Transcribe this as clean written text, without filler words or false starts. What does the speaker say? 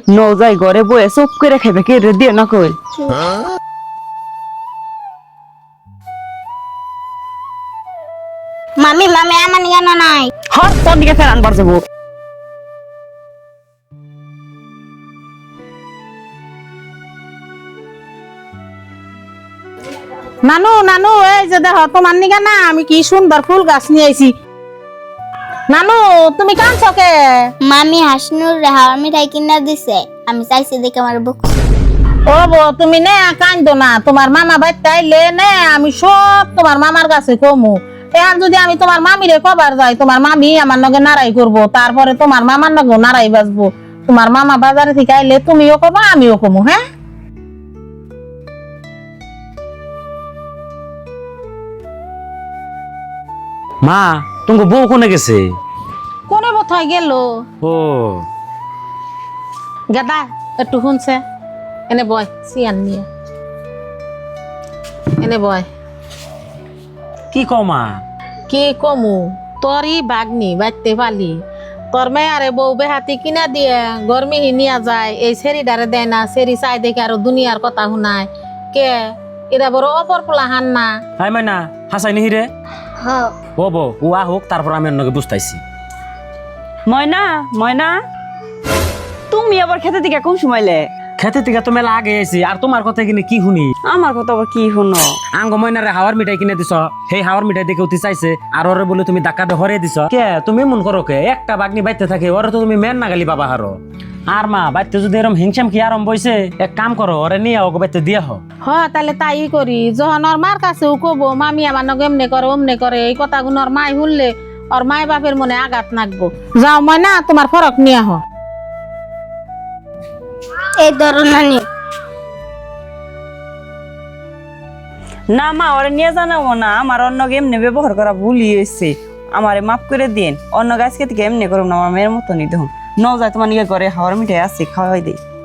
ন যাই ঘরে বয়ে চুপ করে খাইবে কে রে দিয়ে না কই মামি মামি আমার নিয়ে না নাই হর তোর দিকে ফের আনবার যাবো নানু নানু এই যে দেখো তোমার নিগা না আমি কি সুন্দর ফুল গাছ নিয়ে আইছি নানু তুমি কাঁদছো কে মামি হাসনুর হাওয়ার মিঠাই কিনা দিছে আমি চাইছি দেখে আমার বুক ও বো তুমি নে কাঁদো না তোমার মামা বাইতে আইলে নে আমি সব তোমার মামার কাছে কমু এখন যদি আমি তোমার মামিরে কবার যাই তোমার মামি আমার নগে নারাই করবো তারপরে তোমার মামার নগে নারাই বাজবো তোমার মামা বাজারে থেকে আইলে তুমিও কমো আমিও কমু হ্যাঁ মা তোমার বউ কোনে গেছে? কোনে কোথায় গেল ও গাদা একটু শুনছে এনে বয় সিয়ান নিয়ে এনে বয় কি কও মা? কি কমু তোরই বাগনি বাইতে পালি তোর মেয়ারে বউ বেহাতি কিনা দিয়ে গরমি নিয়া যায় এই সেরিডারে দেয় না সেরি চাই দেখে আরো দুনিয়ার কথা শুনায় কে এরা বড় অপর পোলা হান না হাই মাইনা হাসাই নিহি রে হ ও বউ ও আহুক তারপর আমি অন্যকে বুঝতাইছি। ময়না ময়না তুমি আবার খেতে দিকে কোন সময়লে খেতে থেকে তো মেলা আগে এসি আর তোমার কথা কিনে কি শুনি আমার কথা আবার কি শুনো আঙ্গ ময়নারে হাওয়ার মিঠাই কিনে দিছ সেই হাওয়ার মিঠাই দেখে উঠি চাইছে আর ওরে বলে তুমি ধাক্কা দিয়ে হরে দিছ কে তুমি মন করো কে একটা বাগনি বাইতে থাকে ওরে তো তুমি মেন নাগালি বাবা হারো আর মা বাইতে যদি এরম হিংসাম কি আরম বইছে এক কাম করো ওরে নিয়ে ওকে বাইতে দিয়া হ হ তাহলে তাই করি যখন ওর মার কাছেও কব মামি আমার নগে এমনে করে অমনে করে এই কথাগুলো ওর মাই শুনলে ওর মায় বাপের মনে আঘাত নাকবো যাও ময়না তোমার ফরক নিয়ে আহ এই ধরো নানি না মা ওরে নিয়ে জানাবো না আমার অন্য এমনি ব্যবহার করা ভুলই হয়েছে আমারে মাফ করে দিন অন্য গাছকে থেকে এমনি করুন না আমার মেয়ের মতনই দেখুন ন যায় তোমার নিয়ে ঘরে হাওয়ার মিঠাই আছে খাওয়াই দেই